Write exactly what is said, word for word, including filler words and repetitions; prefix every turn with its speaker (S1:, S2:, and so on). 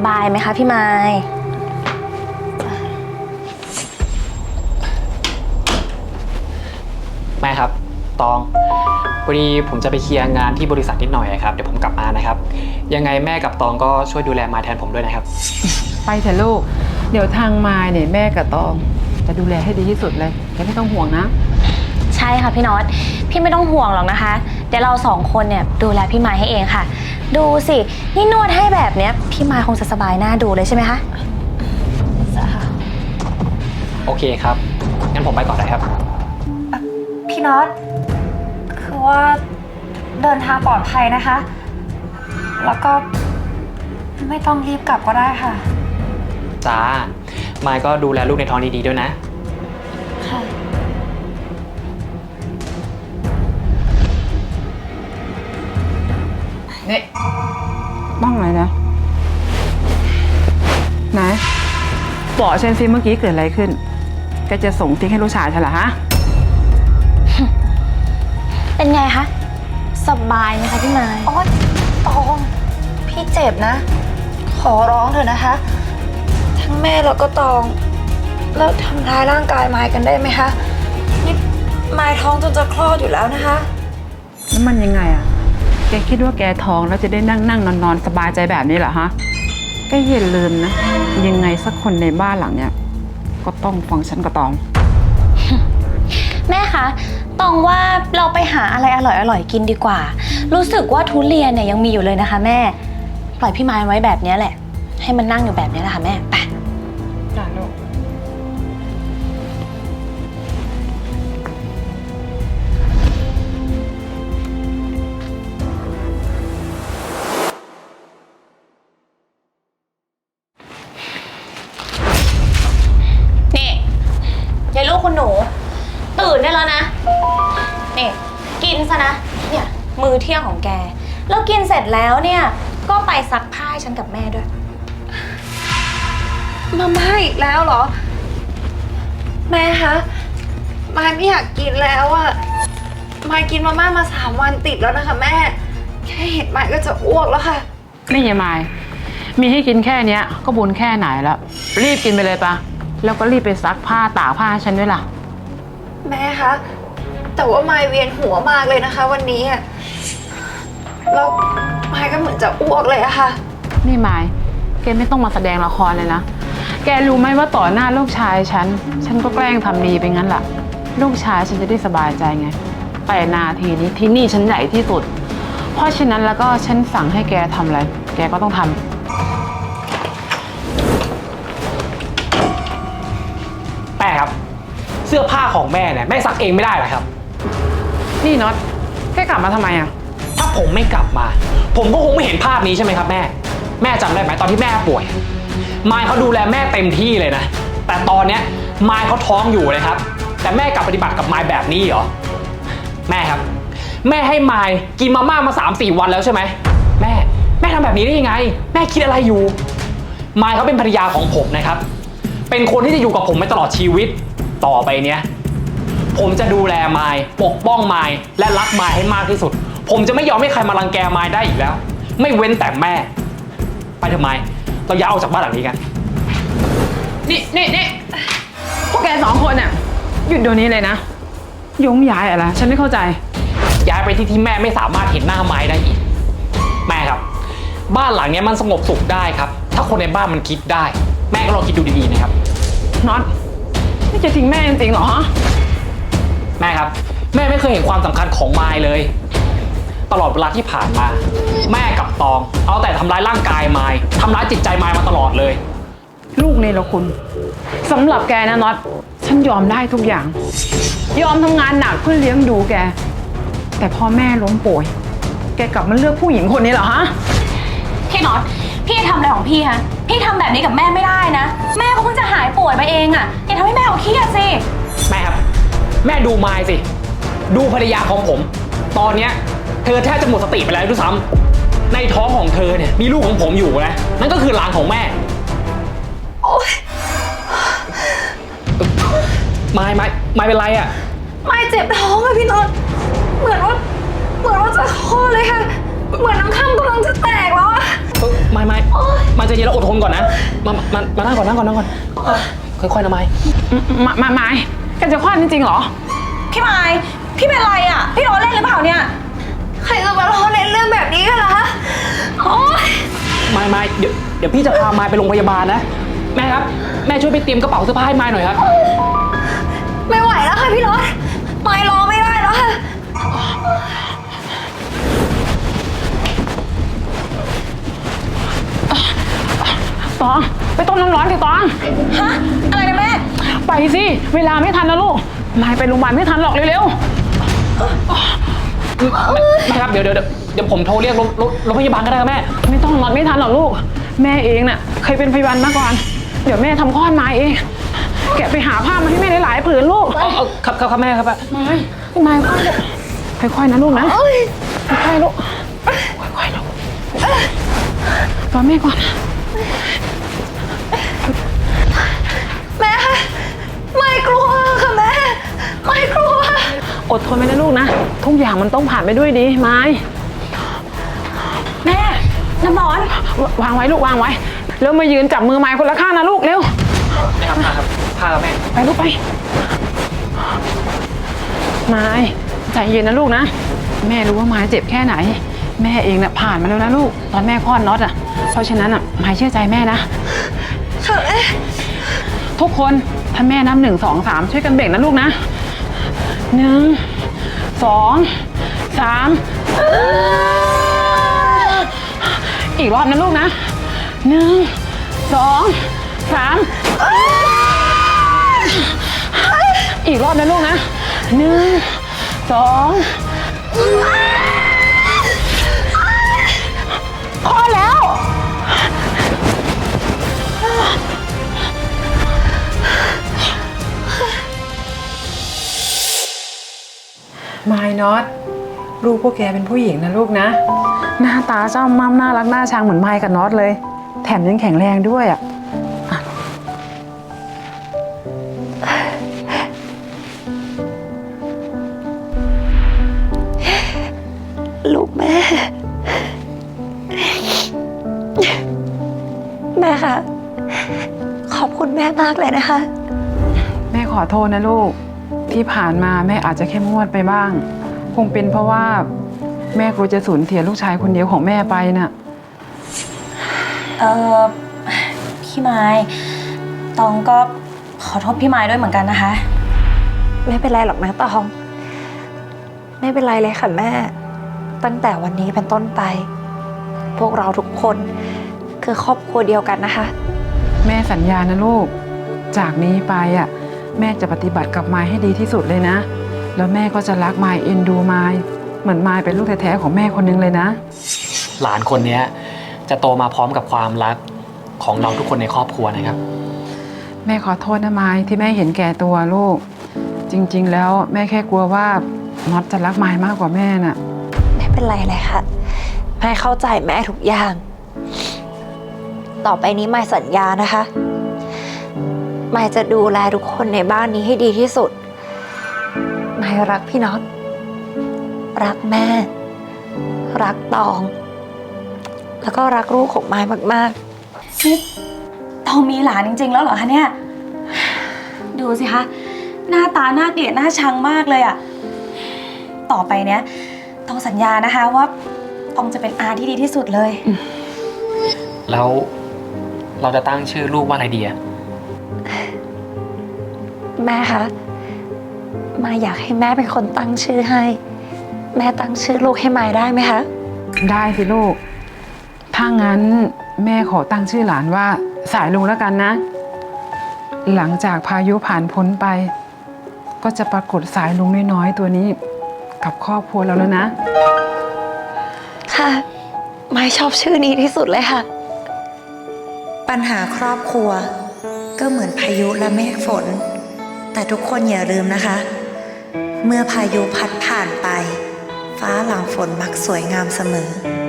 S1: บายไหมคะพี่ไม้
S2: แม่ครับตองพอดีผมจะไปเคลียร์งานที่บริษัทนิดหน่อยครับเดี๋ยวผมกลับมานะครับยังไงแม่กับตองก็ช่วยดูแลมายแทนผมด้วยนะครับ
S3: ไปเถอะลูกเดี๋ยวทางมายเนี่ยแม่กับตองจะดูแลให้ดีที่สุดเลยแกไม่ต้องห่วงนะ
S1: ใช่ค่ะพี่น็อตพี่ไม่ต้องห่วงหรอกนะคะเดี๋ยวเราสองคนเนี่ยดูแลพี่ไม้ให้เองค่ะดูสินี่นวดให้แบบเนี้ยพี่ไม้คงจะสบายหน้าดูเลยใช่ไหมคะ
S2: โอเคครับงั้นผมไปก่อนนะครับ
S1: พี่น็อตคือว่าเดินทางปลอดภัยนะคะแล้วก็ไม่ต้องรีบกลับก็ได้ค่ะ
S2: จ้ามายก็ดูแลลูกในท้องดีๆด้วยนะ
S1: ค่ะ
S3: นี่บ้างอะไรนะไหนบอกฉันซิเมื่อกี้เกิดอะไรขึ้นแกจะส่งติ๊กให้ลูกชายฉันเหรอฮะ
S1: เป็นไงคะสบายไหมคะพี่ไม้โอ๊ยตองพี่เจ็บนะขอร้องเถอะนะคะทั้งแม่แล้วก็ตองแล้วทำร้ายร่างกายไม้กันได้ไหมคะนี่ไม้ท้องจนจะคลอดอยู่แล้วนะคะ
S3: แล้วมันยังไงอะแกคิดว่าแกท้องแล้วจะได้นั่งนั่งนอนนอนสบายใจแบบนี้เหรอฮะแกอย่าลืมนะยังไงสักคนในบ้านหลังเนี้ยก็ต้องฟังฉันกับตอง
S1: แม่คะตองว่าเราไปหาอะไรอร่อยๆกินดีกว่ารู้สึกว่าทุเรียนเนี่ยยังมีอยู่เลยนะคะแม่ปล่อยพี่ไม้ไว้แบบนี้แหละให้มันนั่งอยู่แบบนี้แหละค่ะแม่ไปจ้าลูกนี่ยายลูกคุณหนูตื่นได้แล้วนะนี่กินซะนะเนี่ยมื้อเที่ยงของแกแล้วกินเสร็จแล้วเนี่ยก็ไปซักผ้าให้ฉันกับแม่ด้วยมาม่าอีกแล้วเหรอแม่คะมายไม่อยากกินแล้วอะมายกินมาม่ามาสามวันติดแล้วนะคะแม่แค่เห็นมายก็จะอ้วกแล้วค่ะ
S3: นี่ยายมายมีให้กินแค่เนี้ยก็บุญแค่ไหนแล้วรีบกินไปเลยปะแล้วก็รีบไปซักผ้าตากผ้าให้ฉันด้วยล่ะ
S1: แม่คะแต่ว่ามายเวียนหัวมากเลยนะคะวันนี้อะแล้วมายก็เหมือนจะอ้วกเลยอะค่ะ
S3: นี่มายแกไม่ต้องมาแสดงละครเลยนะแกรู้ไหมว่าต่อหน้าลูกชายฉันฉันก็แกล้งทำดีไปงั้นแหละลูกชายฉันจะได้สบายใจไงแต่นาทีนี้ที่นี่ฉันใหญ่ที่สุดเพราะฉะนั้นแล้วก็ฉันสั่งให้แกทำอะไรแกก็ต้องทำ
S2: แม่ครับเสื้อผ้าของแม่เนี่ยแม่ซักเองไม่ได้หรอครับ
S3: นี่น็อตแกกลับมาทำไมอ่ะ
S2: ถ้าผมไม่กลับมาผมก็คงไม่เห็นภาพนี้ใช่ไหมครับแม่แม่จำได้ไหมตอนที่แม่ป่วยมายเขาดูแลแม่เต็มที่เลยนะแต่ตอนเนี้ยมายเขาท้องอยู่เลยครับแต่แม่กลับปฏิบัติกับมายแบบนี้เหรอแม่ครับแม่ให้มายกินมาม่ามาสามสี่วันแล้วใช่ไหมแม่แม่ทำแบบนี้ได้ยังไงแม่คิดอะไรอยู่มายเขาเป็นภรรยาของผมนะครับเป็นคนที่จะอยู่กับผมไปตลอดชีวิตต่อไปเนี้ยผมจะดูแลมายปกป้องมายและรักมายให้มากที่สุดผมจะไม่ยอมให้ใครมารังแกมายได้อีกแล้วไม่เว้นแต่แม่ไปทำไมเราย้ายออกจากบ้านหลังนี้กัน
S3: นี่นี่นี่พวกแกสองคนน่ะหยุดเดี๋ยวนี้เลยนะยงย้ายอะไรฉันไม่เข้าใจ
S2: ย้ายไปที่ที่แม่ไม่สามารถเห็นหน้ามายได้อีกแม่ครับบ้านหลังนี้มันสงบสุขได้ครับถ้าคนในบ้านมันคิดได้แม่ก็ลองคิดดูดีๆนะครับ
S3: น็อตนี่จะทิ้งแม่จริงๆเหรอฮะ
S2: แม่ครับแม่ไม่เคยเห็นความสำคัญของมายเลยตลอดเวลาที่ผ่านมาแม่กับตองเอาแต่ทำร้ายร่างกายมายทำร้ายจิตใจมายมาตลอดเลย
S3: ลูกเนรคุณสำหรับแกนะน็อตฉันยอมได้ทุกอย่างยอมทำงานหนักเพื่อเลี้ยงดูแกแต่พอแม่ล้มป่วยแกกลับมาเลือกผู้หญิงคนนี้เหรอฮะ
S1: พี่น็อตพี่ทำอะไรของพี่ฮะพี่ทำแบบนี้กับแม่ไม่ได้นะแม่เขาเพิ่งจะหายป่วยมาเองอ่ะอย่าทำให้แม่เขาเครียดสิ
S2: แม่ครับแม่ดูมายสิดูภรรยาของผมตอนเนี้ยเธอแทบจะหมดสติไปแล้วด้วยซ้ำในท้องของเธอเนี่ยมีลูกของผมอยู่นะนั่นก็คือหลานของแม่
S1: โอ๊ย
S2: มายมายมายเป็นไรอ่ะ
S1: มายเจ็บท้องอะพี่น็อตเหมือนว่าเหมือนว่าจะคลอดเลยค่ะเหมือนน้ำข้ามกำลังจะแตกแล้วอะ
S2: เออไม่ไม่มาใจเย็นแล้วอดทนก่อนนะมามามานั่งก่อนนั่งก่อนนั่งก่อนค่อยๆนะไม้
S3: มามาไม้แกจะคลอดจริงๆเหรอ
S1: พี่ไม้พี่เป็นไรอ่ะ พี่ล้อเล่นหรือเปล่าเนี่ย ใครจะมาล้อเล่นเรื่องแบบนี้กันล่ะคะโอ๊ย
S2: ไม่ไม่เดี๋ยวเดี๋ยวพี่จะพาไม้ไปโรงพยาบาลนะแม่ครับแม่ช่วยไปเตรียมกระเป๋าเสื้อผ้าให้ไม้หน่อยครับ
S1: ไม่ไหวแล้วค่ะพี่รถไม้ล้อไม่ได้แล้วค่ะ
S3: ตองไปต้มน้ำร้อนสิตอง
S1: ฮะ อะไรนะแม่
S3: ไปสิ เวลาไม่ทันแล้วลูกนายไปโรงพยาบาลไม่ทันหรอกเร็ว
S2: แม่ครับเดี๋ยวเดี๋ยวเดี๋ยวผมโทรเรียกรถรถรถพยาบาลก็ได้ครับแม่
S3: ๆไม่ต้องรอไม่ทันหรอกลูก แม่เองน่ะเคยเป็นพยาบาลมาก่อน เดี๋ยวแม่ทำคลอดมาเอง แกะไปหาผ้ามาให้แม่หลายๆผืนลูก
S2: เอาเอาครับครับครับแม่ครับ
S3: ไม่ไม่ค่อยลูกค่อยๆนะลูกนะค่อยๆลูกค่อยๆลูกรอแม่ก่อน
S1: แม่คะไม่กลัวค่ะแม่ ไม่กลัว
S3: อดทนไปนะลูกนะ ทุกอย่างมันต้องผ่านไปด้วยดีไม้
S1: แม่น้ำร้อน
S3: วางไว้ลูกวางไว้แล้วมายืนจับมือไม้คนละข้างนะลูกเร็ว
S2: แม่ครับพาครับพาครับแม่
S3: ไปลูกไปไม้ใจเย็นนะลูกนะแม่รู้ว่าไม้เจ็บแค่ไหน แม่เองน่ะผ่านมาแล้วนะลูกตอนแม่คลอดน็อตอ่ะเพราะฉะนั้นอ่ะไม้เชื่อใจแม่นะทุกคนถ้าแม่นับหนึ่งสองสามช่วยกันเบ่งนะลูกนะหนึ่งสองสามอีกรอบนะลูกนะหนึ่งสองสามอีกรอบนะลูกนะหนึ่งสองพอแล้วมายน็อตลูกพวกแกเป็นผู้หญิงนะลูกนะหน้าตาเจ้ามั่มน่ารักน่าชังเหมือนมายกับน็อตเลยแถมยังแข็งแรงด้วยอ่ะ
S1: ลูกแม่ แม่คะขอบคุณแม่มากเลยนะคะ
S3: แม่ขอโทษนะลูกที่ผ่านมาแม่อาจจะเข้มงวดไปบ้าง คงเป็นเพราะว่าแม่กลัวจะสูญเสียลูกชายคนเดียวของแม่ไปน่ะ
S4: เออพี่ไม้ตองก็ขอโทษพี่ไม้ด้วยเหมือนกันนะคะ
S1: ไม่เป็นไรหรอกนะตอง ไม่เป็นไรเลยค่ะแม่ ตั้งแต่วันนี้เป็นต้นไป พวกเราทุกคนคือครอบครัวเดียวกันนะคะ
S3: แม่สัญญานะลูกจากนี้ไปอ่ะแม่จะปฏิบัติกับมายให้ดีที่สุดเลยนะแล้วแม่ก็จะรักมายเอ็นดูมายเหมือนมายเป็นลูกแท้ๆของแม่คนนึงเลยนะ
S2: หลานคนนี้จะโตมาพร้อมกับความรักของเราทุกคนในครอบครัวนะครับ
S3: แม่ขอโทษนะมายที่แม่เห็นแก่ตัวลูกจริงๆแล้วแม่แค่กลัวว่าน็อตจะรักมายมากกว่าแม่น่ะ
S1: ไม่เป็นไรเลยค่ะแม่เข้าใจแม่ทุกอย่าง ต่อไปนี้ไม่สัญญานะคะไม่จะดูแลทุกคนในบ้านนี้ให้ดีที่สุดไม่รักพี่น็อตรักแม่ รักตอง แล้วก็รักลูกของไม้มาก
S4: นี่ตองมีหลานจริงๆแล้วเหรอคะเนี่ย ดูสิคะ หน้าตาหน้าเกลียดหน้าชังมากเลยอะต่อไปเนี้ยตองสัญญานะคะว่าตองจะเป็นอาที่ดีที่สุดเลย
S2: แล้วเราจะตั้งชื่อลูกว่าอะไรดีอะ
S1: ๆ แม่คะมาอยากให้แม่เป็นคนตั้งชื่อให้ แม่ตั้งชื่อลูกให้ไม้ได้ไหมคะ
S3: ได้สิลูกถ้างั้นแม่ขอตั้งชื่อหลานว่าสายลุงแล้วกันนะ หลังจากพายุผ่านพ้นไป ก็จะปรากฏสายลุงน้อยๆตัวนี้กับครอบครัวเราแล้วนะ
S1: ค่ะไม้ชอบชื่อนี้ที่สุดเลยค่ะ
S5: ปัญหาครอบครัวก็เหมือนพายุและเมฆฝน แต่ทุกคนอย่าลืมนะคะ เมื่อพายุพัดผ่านไป ฟ้าหลังฝนมักสวยงามเสมอ